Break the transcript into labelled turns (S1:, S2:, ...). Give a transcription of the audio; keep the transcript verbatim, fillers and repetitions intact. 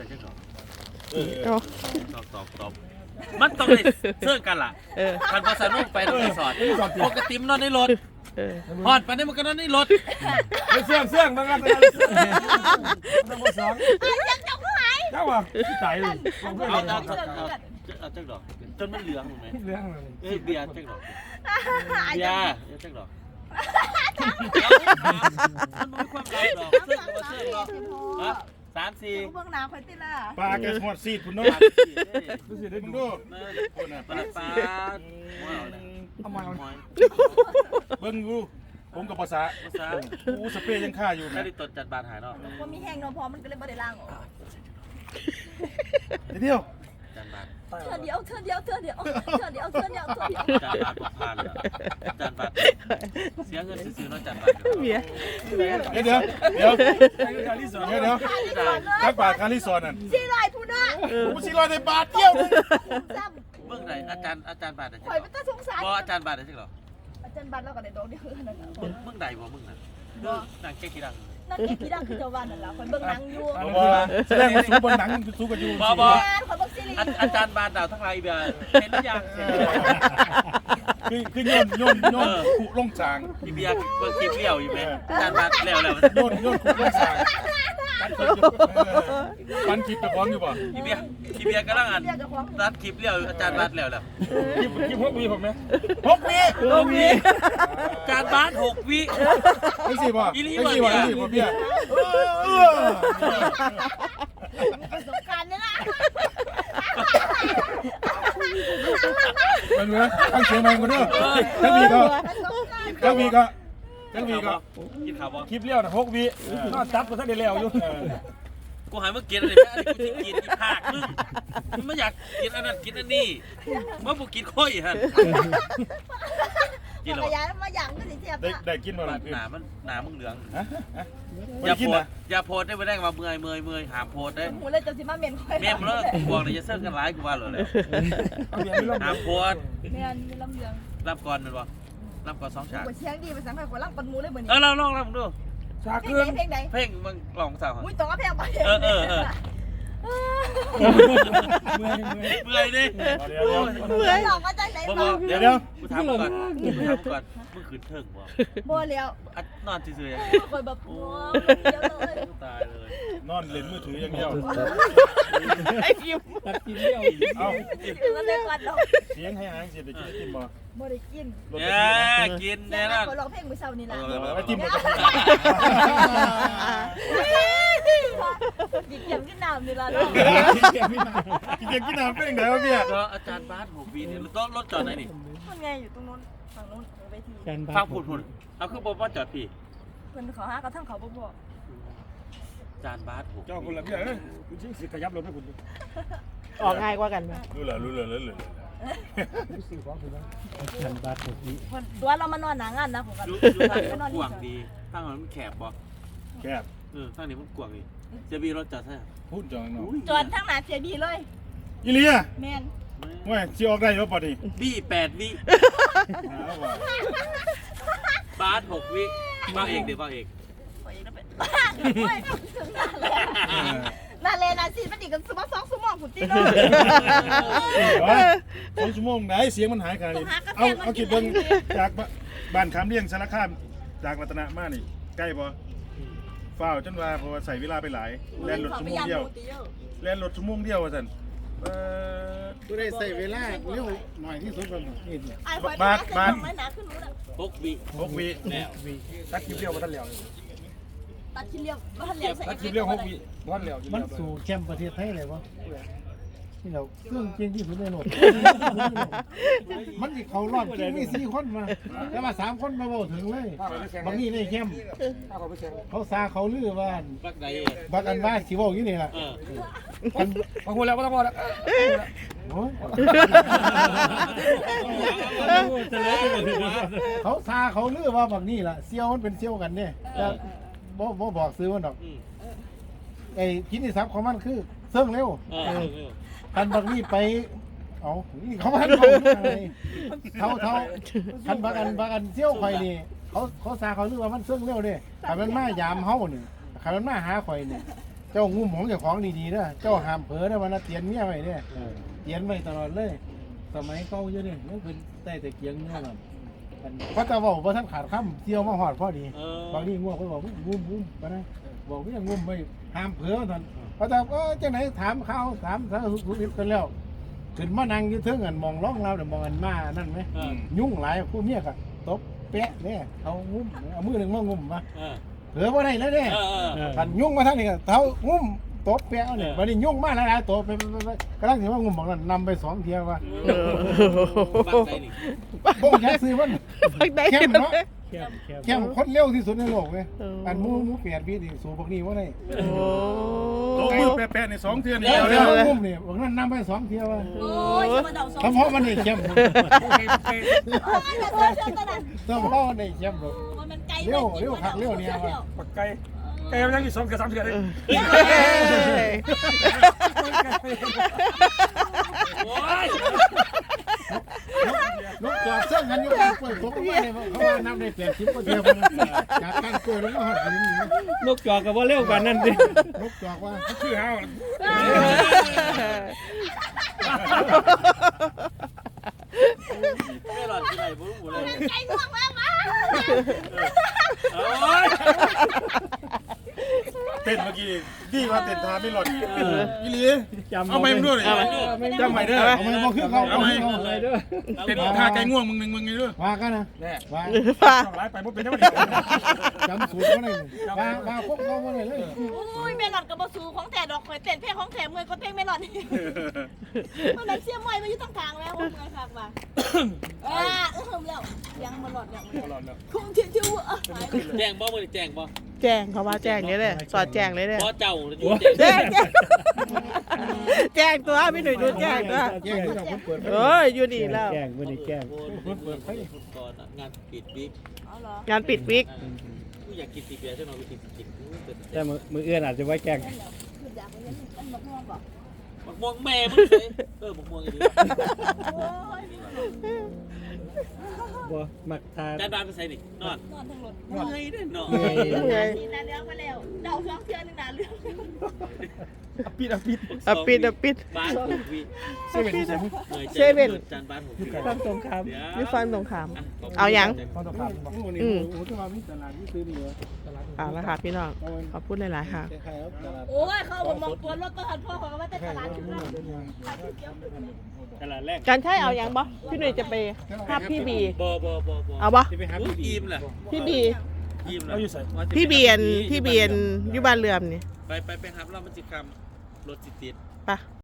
S1: แต่จะตอบ
S2: เออ
S1: ตอบตอบตอบมันต้องได้เชื่อกันล่ะคันภาษาโลกไปต้องรีสอร์ทปกติมันนอนในรถฮอดไปนี่มันก็นอนในรถ
S3: ไปเสื่องเสื่องมันก็ต้องมาสองเจ้าว่าใจเลย
S1: เอาเอาเอาเอาจักดอกจนมันเหลืองถูกไหม
S3: เรื่องเลย
S1: เอ้ยเบียร์จักดอกเบียร์จักดอกมันน้อยความรักดอกเชื่อกับเชื่อเนาะฮะสามสี่
S4: เบื้องหน้าคนที่ล่ะ
S3: ปลาแกหอดซีดคุณน้องดูสิได้มึงดูคนน่ะ
S1: ปลาปลาว้าวเลย
S3: เอามาเบิ้งดูผมกับภาษา
S1: ภาษา
S3: อู้สเปรย์ยังฆ่าอยู่
S1: ไม่ได้ตดจัดบาดหายเนาะ
S4: ว่ามีแห้งเนาะพอมันก็เลยบ่ได้ล้างออก
S3: เดียว
S1: จัดบาด
S4: เธอเดียวเธอเดียวเธอเดียวเธอเดียวเธอเดียวเธอเดียว
S1: จัดบาดบอกผ่านเลยจัดบาดเสียเงินซื้อเนาะจัดบาด
S2: เบียร์
S3: เดี๋ยวเดี๋ยวเดี๋ยวเดี๋ยวเดี๋ยวจักบาทคาริซอนนั่น
S4: สี่ร้อยพูดนะ
S3: ผมสี่ร้อยในบาทเดียวนึง
S4: ซ้
S1: เมื่อไหร่อาจารย์อาจารย์บาดได้
S4: ำ
S1: ใช่
S4: ข่อย
S1: หร
S4: เป็นตาสงสาร
S1: บ่อาจารย์บาดได้ใช่หรอ
S4: อาจารย์บัตรเราก็ได้ดอกเดียวนั่นน่ะ
S1: เมื่อใดบ่เมื่อนั้นนางแก้กี่ดัง
S4: นั่นเก็บกี่ดังคือเจ้าวันนั่นล่ะข่อยเบิ่งหนังอยู่
S3: แสดงว่าสู้บนหนังสู้กับยู
S4: แม่ข่อยเบิ่งซีรีส์
S1: อาจารย์บาดดาวทั้งหลายเบียร์เห็นหรือยัง
S3: คือคือโยนโยนโยนขุลงจาง
S1: อีเบียร์เบิ่งคลิปเลี้ยวอยู่ไหมอาจารย์บาดแล้วแล้ว
S3: โยนโยนขุลงจางปันคลิปตะพร้อมอยู่ป่ะ
S1: อีเบียร์อีเบียร์กำลังอ่านรัดคลิปเลี้ยวอาจารย์บาดแล้วแล้ว
S3: คลิปคลิปหกวีผมไหมหกวี
S1: หกวิอาจารย์บาดหกวิ
S3: ไอ้สิป่ะไอ้สิป่ะไอ้สิป่ะเบี้ย
S4: ประสบการณ์นี่ล่ะ
S3: มันเหมือนตั้งเสียงใหม่คนเด้อทั้งวีก็
S4: ประสบการณ์
S3: ทั้งวีก็ทั้งวีก็
S1: กินข้าวบ่
S3: คลิปเลี้ยวนะหกวีนอนจับก็ท่านได้แล้วอยู่
S1: กูหายเมื่อกี้อะไรแม่กูจะกินอีภาคมึงมึงไม่อยากกินอันนั้นกินอันนี้เมื่อกูกินค่อยฮะกิน
S4: จั
S1: แล้ว
S4: กรยานมาอย่างก็สิเทียบ
S3: ได้
S4: น่ะ
S3: ได้กินมาห
S1: ห
S3: รือ
S1: นามันหนามึงเหลือง
S3: ฮะฮะ
S1: อ
S3: อย่
S1: า
S3: กิน
S1: โพด
S3: นะ
S1: อย่าโพดได้ไม่ได้มาเมื่อยเมื่อยเมื่อยหาโพดได้
S4: หูเลยจะสิมาเมนข่อย
S1: แม่มึงแล้วบอกเลยจะเซิร์กันร้ายกูว่าเลยหาโพด
S4: แม่นมีลำเลือง
S1: รับก่อนมันบ่รับก่อนสองฉาก
S4: บ่เชียงดีไปสังข่อยกว่าลังปันหมูเลยเหมือน
S1: เออเราลองลองดู
S3: ชา
S4: เพล
S3: เกลือง
S4: ใดเพลงใด
S1: เพ่งมึงลองสาว
S4: อุ้ยต้องเอาเพลงไป
S1: เออเออเออ
S3: เมื่อยเมื่อย
S1: เมื่อยดิ
S4: เมื่อยหลอกมาจากไหน
S1: บ่
S4: มา
S1: บ่เดี๋ยวเดี๋ยวกูถามก่อนกูถามก่อนมึงขืนเถิงบ่
S4: บ่เลี้ยว
S1: นอนซื่อๆยัง
S4: ข่อยแบบโอ้เดี๋ยวเลย
S1: ตายเลย
S3: นอนเล่นมือถืออย่างเดียว
S2: ไอ้คิม
S3: ตัดกินเลี้ยวเอ้า
S4: แล้วเลยก่อนดอก
S3: เสียงให้หางเสียได้กินกินบ่
S4: บ่ได้กิน
S1: เนี่ยกิน
S4: แน่
S1: แน่
S4: น
S1: นอน
S4: ข่อยร้องเพลงมื้อเช้านี่ล่ะ
S3: ไอ้จิ้มบ่
S4: กินเกี่ยมกินน้ำนี่ล่ะเนาะ
S3: กินเกียกินน้ำเป็นยังไงวะเบี้ย
S1: ก็อาจารย์บาสหกวีเนี่ยรถรถจอดไหนนี่
S4: มันไงอยู่ตรงนู้นฝั่งนู้นเวที
S1: ฟังพูดพูดเอาคือบอกว่าจอดพี่
S4: เพิ่นเขาหากระทั่งเขาบ่บอก
S1: อาจารย์บาสหก
S3: เจ้าคนละเบี้ยเอ้ยคุณชิงสิขยับรถให้คุณ
S2: ออกง่ายกว่ากันไหม
S3: รู้เหรอรู้เหรอรู้เหรอ
S2: ฉันบาดถูกนี้
S4: เพิ่นตัวเรามานอนหน้างานนะของกัน
S1: ดูดูทางมันกว้างดีทางมันแคบบ่
S3: แคบ
S1: เออทางนี้มันกว้างดีจะมีรถจอดใช่
S3: พูดจังเนาะ
S4: จอดทางหน้าเสียบีเลย
S3: อีเลีย
S4: แม่น
S3: เว้ยสิออกได้บ่ปะนี่
S1: บี้แปดวิ
S3: หาว่า
S1: บาสหกวิบ้าเอกเดี๋ยวบ้าเอก
S4: โอ้ยแล้วเป็นโอ้ยถึงนั่นแหละนั่นเลยนะสิมันอีกกันสมองสองสมองผุดตีโน่
S3: สองชั่วโมงไหนเสียงมันหายขนาดนี้เอาเอาคิดเบิ่งจากบ้านคำเลี้ยงสารคามจากรัตนะมานี่ใกล้บ่ฝ้าวจนว่าเพราะว่าใส่เวลาไปหลายแล่นรถชั่วโมงเดียวแล่นรถชั่วโมงเดียวว่าซั่นเอ่อ
S5: กูได้ใส่เวลาเร็วหน่อยที่สุดแล้วนี่เนี่ย
S4: ไอ้คอยมาขึ้นไม่หนาขึ้นรู้ละ
S1: หกวิ
S3: หกวิตักคลิปเรียวบ่ทันแล้ว
S4: ตัดชิ้นเดียวบ้านเลี้ยวใส่
S3: ตักคลิปเรียวหกวิบ่ทันแล้ว
S5: มันสู่แชมป์ประเทศไทยเลยวะที่เราเครื่องจริงที่สุดในโลกมันที่เขารอดจริงมีสี่คนมาแต่ว่าสามคนมาบอกถึงเลยบางนี่ในแชมป์เขาซาเขาลือว่า
S1: บักใด
S5: บักอันว่าสิบอกอยู่นี่ล่ะ
S1: เออ
S3: พอพูดแล้วบ่ต้องพูดแล้ว
S5: โอ้ยเขาซาเขาลือว่าบางนี่ล่ะเซียวมันเป็นเซียวกันเนี่ยบ่บ่บอกซื้อมันดอกไอ้กินที่ซับของมันคือเสื่องเร็ว
S1: เออเออ
S5: คันบางนี่ไปเอานี่เขามาบอกอะไรเท่าเท่าคันบางอันบางอันเซี่ยวข่อยนี่เขาเขาซาเขาเรียกว่ามันเสื่องเร็วเนี่ยคันมันมายามเฮานี่คันมันมาหาข่อยนี่เจ้างุ้มของเจ้าของดีๆเด้อเจ้าห้ามเผลอเด้อวันน่ะเตียนเมียไว้เด้อเตียนไว้ตลอดเลย สมัยเก่าอยู่นี่มันเป็นใต้ตะเกียงเนี่ยนั่นเพราะแต่ว่าบ่ทันขาดคำเที่ยวมาฮอดพอดี
S1: เออบ
S5: างทีง่วงเพิ่นบอกงุ้มงุ้มปะนะบอกว่าอย่างงุ้มไว้ห้ามเผลอท่านเพราะแต่เออจังไหนถามเขาถามสารสุขสุขดิบกันแล้วขึ้นมานั่งอยู่เทิงอันมองร้องเราเดี๋ยวมองอันมานั่นไหม
S1: เออ
S5: ยุ่งหลายผู้เมียก็ตบแปะเนี่ยเอางุ้มเอามือหนึ่งมางุ้มมา
S1: เออ
S5: เผลอบ่ได้แล้วเนี่ย
S1: เออเออ
S5: กันยุ่งมาทั้งนี้ก็เท้างุ้มตบแปะเนี่ยวันนี้ยุ่งมากแล้วนะตบไปไปไปกำลังถือว่างุ้มบอกนั่นนำไปสองเที่ยวว่า
S2: เออ
S1: บ้านใดนี่
S5: บ่อยากซื้อมัน
S2: ฟังได้
S5: เข้มเนาะ
S2: แคบแคบ
S5: เข้มคนเร็วที่สุดในโลกเลย
S2: เอออั
S5: อันหมูหมูเปลี่ยนพี่นี่สูบพวกนี้ว่าได้
S2: โอ้
S3: โต๊ะมือแปะๆในสองเทือนนี่
S5: เดี๋ยว
S3: เดี
S5: เดี๋
S3: ย
S5: ยว วงุ้มนี่บอกนั่นนำไปสองเที่ยวว่า
S4: โอ้ยมาเดาสอง
S5: เฉพาะมันนี่เข้ม
S4: โอ้ยอย่าเจอเจอตะนั้น
S5: เฉพาะมันนี่เข้มหรอก
S4: มันไกล
S5: เร็วเร็วคักเร็วเนี่ยว่ะ
S6: ปักไก่ไก่มันยังอยู่สองกับสามเดือนเลย
S1: โอ้ย
S5: ลูกจอดเส้นกันอยู่กลางกล้วยตกลงมาเนี่ยเขาว่าน้ำได้แปดสิบกว่าเที่ยวพุ่นนะจากการกล้วยลงมาหอดหินนี่
S2: นกจอกกับว่าเร็วกว่านั้นดิ
S5: ลูกจอกว่า
S6: ชื่อเฮา
S1: ไม่หลอดที่ไหนบ่รู้เลย
S4: ไกลง่วงแล้วมา
S1: โอ้ย
S3: เต้นเมื่อกี้ดีกว่าเต้นทาไม่หลอดอีหลี
S2: จำ
S3: เอาไม้มาด้วยดิจำไม้เด้อ
S5: เอาไม่บอกคือเขาเอาไม่บอก
S2: เลยด้วย
S3: เต้นท่าไก่ง่วงมึงหนึ่งมึงไงด้วย
S5: ว่ากันนะ
S6: แน่
S5: ว่า
S2: ฟ้า
S6: ต้องไล่ไปบ่เป็นยังไง
S5: จำสูตรว่าได้ว่าว่าพวกเขาว่าได้เลย
S4: อุ้ยเมลอนกับบสูของแต่ดอกข่อยเต้นเพลงของแถมเมื่อยก็เพลงเมลอนมันแบบเสียมวยมาอยู่ตรงกลางแล้วเมื่อยคักว่ะอ่าเออแล้วยังมาหลอดยังมาหลอดคงเชื่อชื่อว่า
S1: แจ้งบ่มื้อนี้แจ้งบ่
S2: แจ้งเขาว่าแจ้งเลยเลยสอดแจ้งเลยเลย
S1: บ่เจ้าอยู่แจ้ง
S2: แจ้งแจ้งแจ้งตัวพี่หนุ่ยดูแจ้งตัว
S5: แย่งที่เราเปิด
S2: เอ้ยอยู่นี่แล้ว
S7: แกล้งไม่ได้แกล้ง
S1: เปิดไฟก่อนงานปิดบิ๊ก
S4: อ๋อเหรอง
S2: านปิดวิก
S1: กูอยากกินตีเบียร์ใช่ไหมกูกินกิน
S7: แต่มือมือเอื้อนอาจจะไว้แกล้ง
S4: คืออยากไปเล่นอันมะม่วงบอก
S1: บักม่วงแม่มึงเลยเออบักม่วงอีก
S4: โอ้ย
S7: บ่มักทา
S1: จานบานไปใส่ดินอน
S4: นอนทั้งรถ
S1: เมื่อยเด้อนอน
S2: ไง
S4: นี่นาเลี้ยงมาแล้วเดาช่องเทือนหนึ่งนาเลี้ยง
S6: ปิดอ่ะปิด
S2: อ่ะปิดอ่ะปิด
S1: บ้านหกวิ
S6: เซเว่นที่ใส่มุก
S2: เซเว่น
S1: จานบ้านหกวิ
S2: ฟังตรงคามนี่ฟังตรงคาม
S1: อ่ะ
S2: เอายัง
S6: ต้องต้องผ่านบอก
S5: นี่โอ้โหที่มามีตลาดที่ซื้อนี่เหรอตลาด
S2: เอาละค่ะพี่น้องขอพูดหลายๆค่ะ
S5: คล้ายๆครับตลาด
S4: โอ้ยเขาบอกมองตัวรถตัวหันพ่อเขาว่าแต่ตลาดชุดนั้น
S7: ตลาดแรก
S2: การใช้เอายังบ่พี่หนุ่ยจะไปภาพพี่บี
S1: บ่บ่บ่บ่
S2: เอาบ่
S3: ที่ไปหา
S1: อุ๊ย
S3: พี่
S1: อิ่มแหละ
S2: พี่บี
S1: อิ่มแหละ
S6: เราอยู่ใส่
S2: พี่เบียนพี่เบียนอยู่บ้านเรือนนี่
S1: ไปไปไปครับเรามันจิกรรมรถจิตติด
S2: ไป